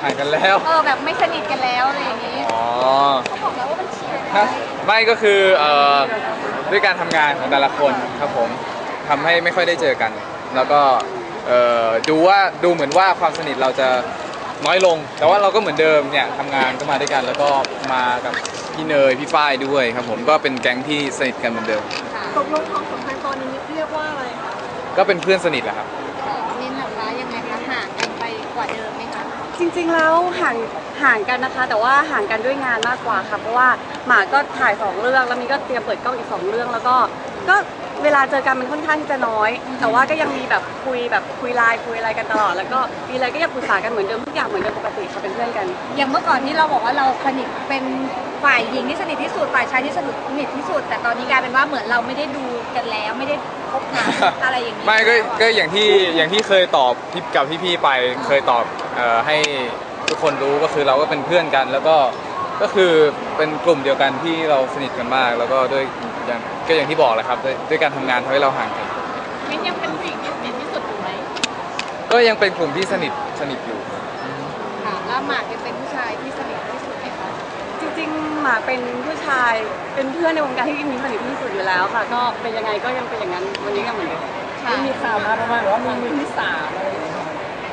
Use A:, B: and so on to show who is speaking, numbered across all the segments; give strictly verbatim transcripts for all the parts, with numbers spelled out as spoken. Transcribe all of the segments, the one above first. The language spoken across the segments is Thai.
A: ห่างกันแล้ว
B: เออแบบไม่สนิทกันแล้วอะไรอย่างนี้
A: อ๋อ
B: เขาบอกแล้วว่ามันเฉียด
A: ไม่ก็คือเอ่อด้วยการทำงานของแต่ละคนครับผมทำให้ไม่ค่อยได้เจอกัน แล้วก็เอ่อดูว่าดูเหมือนว่าความสนิทเราจะน้อยลง แต่ว่าเราก็เหมือนเดิมเนี่ยทำงานก็มาด้วยกัน แล้วก็มากับพี่เนยพี่ฝ้ายด้วยครับผมก็เป็นแก๊งที่สนิทกันเหมือนเดิม
C: ตกลงความสัมพันธ์ตอนนี้เรียกว่าอะไรคะ
A: ก็เป็นเพื่อนสนิทแหละครับ
B: นินนะคะยังไงคะห่างกันไปกว่าเดิมไหมคะ
C: จริงๆแล้วห่างห่างกันนะคะแต่ว่าห่างกันด้วยงานมากกว่าค่ะเพราะว่าหมาก็ถ่ายสองเรื่องแล้วมีก็เตรียมเปิดกล้องอีกสองเรื่องแล้วก็ก็เวลาเจอกันมันค่อนข้างที่จะน้อยแต่ว่าก็ยังมีแบบคุยแบบคุยไลน์คุยอะไรกันตลอดแล้วก็มีอะไรก็ยังปรึกษากันเหมือนเดิมทุกอย่างเหมือนเดิมปกติค่ะเป็นเพื่อนกัน
B: อย่างเมื่อก่อนที่เราบอกว่าเราสนิทเป็นฝ่ายหญิงที่สนิทที่สุดฝ่ายชายที่สนิทที่สุดแต่ตอนนี้กลายเป็นว่าเหมือนเราไม่ได้ดูกันแล้วไม่ได้คบหาอะไรอย่างนี้
A: ไม่ก็ก็อย่างที่อย่างที่เคยตอบกับพี่ๆไปเคยตอบเอ่อให้ทุกคนรู้ก็คือเราก็เป็นเพื่อนกัน แล้วก็ก็คือเป็นกลุ่มเดียวกันที่เราสนิทกันมาก แล้วก็ด้วยอย่างก็อย่างที่บอกแหละครับด้วยด้วยการทำงานทำให้เราห่างกัน
B: มิ้นยังเป็นผู้หญิงที่สนิทที่สุดอยู่ไหม
A: ก็ยังเป็นกลุ่มที่สนิทสนิทอยู่
B: ค่ะแล้วหมากยังเป็นผู้ชายที่สนิทที่สุดไหมคะ
C: จริงๆหมากเป็นผู้ชายเป็นเพื่อนในวงการที่มีสนิทที่สุดอยู่แล้วค่ะก็เป็นยังไงก็ยังเป็นอย่างนั้นวันนี้ก็เหมือนเดิม
D: ไม่มีข่าวมาประมาณว่ามีมือที่สามอะไรอย่างเงี้ย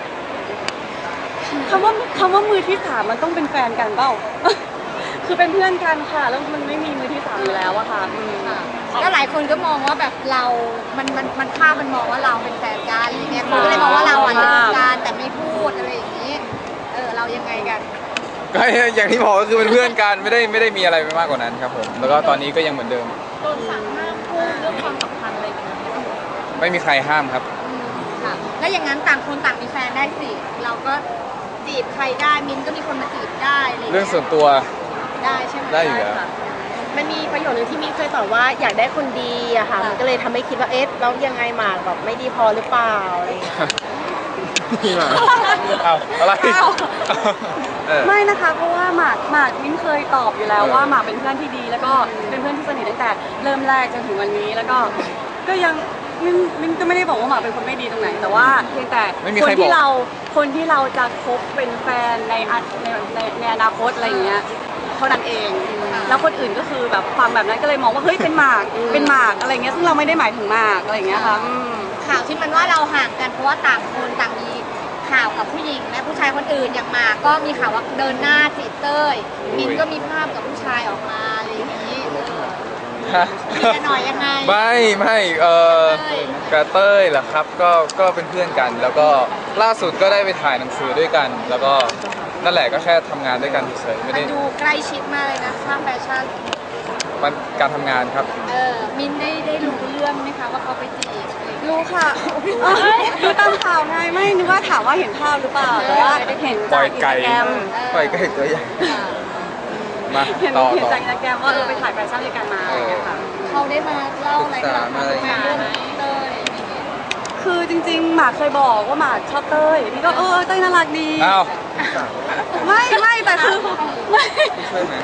C: คำว่าคำว่ามือที่สามมันต้องเป็นแฟนกันเปล่าคือเป็นเพื่อนกันค่ะแล้วมันไม่มีมือที่สามอยู่แล้วอะค่ะ
B: ก็หลายคนก็มองว่าแบบเรา มันมันมันภาพมันมองว่าเราเป็นแฟนกันอะไรเงี้ยคนก็เลยมองว่าเราอ่ะเลิกกันแต่ไม่พูดอะไรอย่างนี้เออเรายังไงกัน
A: ก็อย่างที่บอกก็คือเป็นเพื่อนกันไม่ได้ไม่ได้มีอะไรไปมากกว่านั้นครับผมแล้วก็ตอนนี้ก็ยังเหมือนเดิม
B: โดนสั่งห้ามพูดเรื่องความสัมพันธ์อะไรแบบนี้
A: ไม่มีใครห้ามครับ
B: ค่ะแล้วอย่างนั้นต่างคนต่างมีแฟนได้สิเราก็จีบใครได้มิ้นก็มีคนมาจีบได้อะไร
A: เรื่องส่วนตัว
B: ได้ใช่ไหม
A: ได้อยู่แล้ว
C: มันมีประโยชน์หนึ่งที่มิ้นเคยตอบว่าอยากได้คนดีอะค่ะมันก็เลยทำให้คิดว่าเอ๊ะแล้วยังไงหมากแบบไม่ดีพอหรือเปล่าอะไรอย่างเงี้ย
A: นี่มาเอาอะไร
C: ไม่นะคะเพราะว่าหมากหมากมิ้นเคยตอบอยู่แล้วว่าหมากเป็นเพื่อนที่ดีแล้วก็เป็นเพื่อนที่สนิทตั้งแต่เริ่มแรกจนถึงวันนี้แล้วก็ก็ยังมิ้นมิ้นก็ไม่ได้บอกว่าหมากเป็นคนไม่ดีตรงไหนแต่ว่าเพียงแต่คนที่เราคนที่เราจะคบเป็นแฟนในในในในอนาคตอะไรอย่างเงี้ยเท่านั้นเองแล้วคนอื่นก็คือแบบฟังแบบนั้นก็เลยมองว่าเฮ้ยเป็นหมากเป็นหมากอะไรเงี้ยซึ่งเราไม่ได้หมายถึงหมากอะไรอย่างเงี้ยค่ะ
B: ข่าวที่มันว่าเราห่างกันเพราะว่าต่างคนต่างมีข่าวกับผู้หญิงและผู้ชายคนอื่นอย่างหมากก็มีข่าวว่าเดินหน้าจีบเต้ยมินก็มีภาพกับผู้ชายออกมาอะไรอย่างนี้มีกันหน่อยยังไง
A: ไม่ไม่เออกระเต้ยเหรอครับก็ก็เป็นเพื่อนกันแล้วก็ล่าสุดก็ได้ไปถ่ายหนังสือด้วยกัน แล้วก็นั่นแหละก็แค่ทำงานด้วยกันเฉยๆไม่ได้
B: ดูใกล้ชิดมากเลยนะช่างแฟชั่น
A: มันการทำงานครับ
B: เออมินได้ได้รู้เรื่องไหมคะว่าเขาไปจีบ
C: รู้ค่ะดูตามข่าวไงไม่นึกว่าถามว่าเห็นภาพหรือเปล่าแต่ว่าเห็นจากอินสตาแกรม
A: ปล่อยไก่ตัวใหญ่มา
C: เห็นเห็นจากอินสตาแกรมว่าเออไปถ่ายแฟชั่นด้วยกันมาอะไรอย่างเงี้ยค่ะ
B: เขาได้มาเล่าอะไรกันมาเรื่องเต้ย
C: คือจริงๆหมากเคยบอกว่าหมากชอบเต้ยนี่ก็เออเต้ยน่ารักดี
A: อ้าว
C: ไม่ไม่แต่คือไม่
A: ช่วยไหม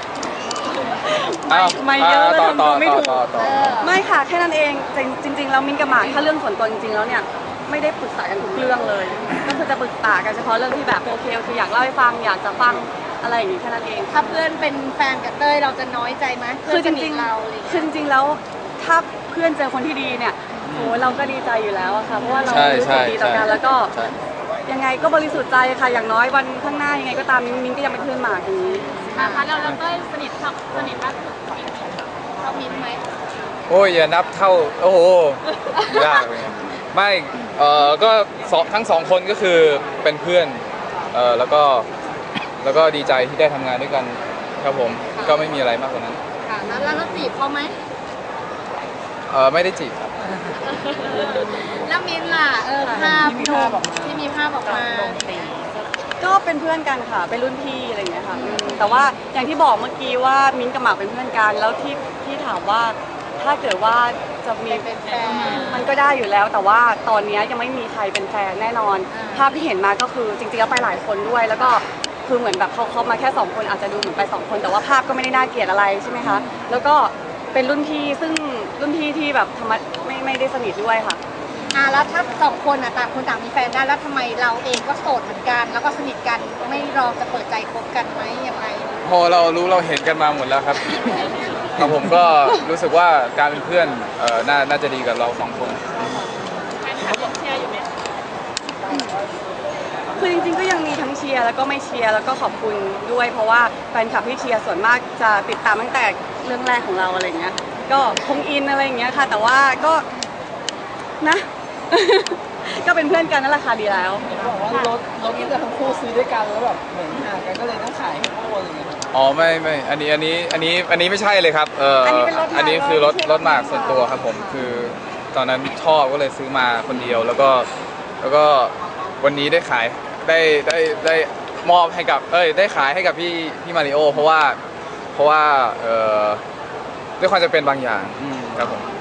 C: ไม่เยอะเลยทำตัวไม่ถูก
A: ไม่
C: ค่ะแค่นั้นเองจริงๆแล้วมิ้นกับหมากถ้าเรื่องส่วนตัวจริงๆแล้วเนี่ยไม่ได้ปรึกษากันทุกเรื่องเลยก็คือจะปรึกษากันเฉพาะเรื่องที่แบบโอเคคืออยากเล่าให้ฟังอยากจะฟังอะไรอย่างนี้แค่นั้นเอง
B: ถ้าเพื่อนเป็นแฟนกับเต้ยเราจะน้อยใจไหม
C: คือจริงๆเราคือจริงๆแล้วถ้าเพื่อนเจอคนที่ดีเนี่ยโอ้เราก็ดีใจอยู่แล้วอะค่ะเพราะว่าเรารู้สึกดีต่อกันแล้วก็ยังไงก็บริสุทธิ์ใจค่ะอย่างน้อยวันข้างหน้ายังไงก็ตามมิ้นก็ยังเป็นเพื่อนหมากอย่างนี้
B: นะคะเราเราเต้ยสนิทสนิทมากสุดเท่ามิ้นไหม
A: โอ้ยอย่านับเท่าโอ้โหยากเลยไม่เออก็ทั้งสองคนก็คือเป็นเพื่อนเออแล้วก็แล้วก็ดีใจที่ได้ทำงานด้วยกันครับผมก็ไม่มีอะไรมากกว่านั้น
B: ค่ะแล้วเราจีบเขาไหม
A: เออไม่ได้จีบครับ
B: แล้วมิ้นล่ะเออภาพที่มีภาพออกมา
C: ก็เป็นเพื่อนกันค่ะเป็นรุ่นพี่อะไรอย่างเงี้ยค่ะแต่ว่าอย่างที่บอกเมื่อกี้ว่ามิ้นกับหมากเป็นเพื่อนกันแล้วที่ที่ถามว่าถ้าเกิดว่าจะมี
B: เป็นแฟน
C: มันก็ได้อยู่แล้วแต่ว่าตอนนี้ยังไม่มีใครเป็นแฟนแน่นอนภาพที่เห็นมาก็คือจริงๆแล้วไปหลายคนด้วยแล้วก็คือเหมือนแบบเขาเขามาแค่สองคนอาจจะดูเหมือนไปสองคนแต่ว่าภาพก็ไม่ได้น่าเกลียดอะไรใช่ไหมคะแล้วก็เป็นรุ่นพี่ซึ่งรุ่นพี่ที่แบบธรรมะไม่ไม่ได้สนิทด้วยค่ะ
B: อ่อ่ะแล้วถ้าสองคนอ่ะต่างคนต่างมีแฟนได้แล้วทำไมเราเองก็โสดเหมือนกันแล้วก็สนิทกันไม่ลองจะเปิดใจคบกันไหมยังไง
A: พอเรารู้เราเห็นกันมาหมดแล้วครับครับผมก็รู้สึกว่าการเป็นเพื่อนเอ่อน่าน่าจะดีกับเราสองคน
C: คือจริงๆก็ยังมีทั้งเชียร์แล้วก็ไม่เชียร์แล้วก็ขอบคุณด้วย เพราะว่าแฟนคลับที่เชียร์ส่วนมากจะติดตามตั้งแต่เรื่องแรกของเราอะไรเงี้ยก็คงอินอะไรอย่างเงี้ยค่ะ แต่ว่าก็นะ ก็เป็นเพื่อนกันนั่นแหละค่ะดีแล้ว
D: บอกว่ารถรถที่จะทั้งคู่ซื้อด้วยกันแล้วแบบเหมือนห่างกันก็เลยต้องขายให้คู่อะไรอย่างเงี้ย
A: อ๋อไม่ไม่อันนี้อันนี้อันนี้อันนี้ไม่ใช่เลยครับเออ
C: อันนี้เป็นรถหมาก
A: อันนี้คือรถ
C: ไม่ใช่
A: รถหมาก
C: รถ
A: ส่วนตัวครับผมคือตอนนั้นชอบก็เลยซื้อมาคนเดียวแล้วก็แล้วก็วันนี้ได้ขายได้ได้ได้มอบให้กับเอ้ยได้ขายให้กับพี่พี่มาริโอเพราะว่าเพราะว่าเออด้วยความจะเป็นบางอย่างครับผม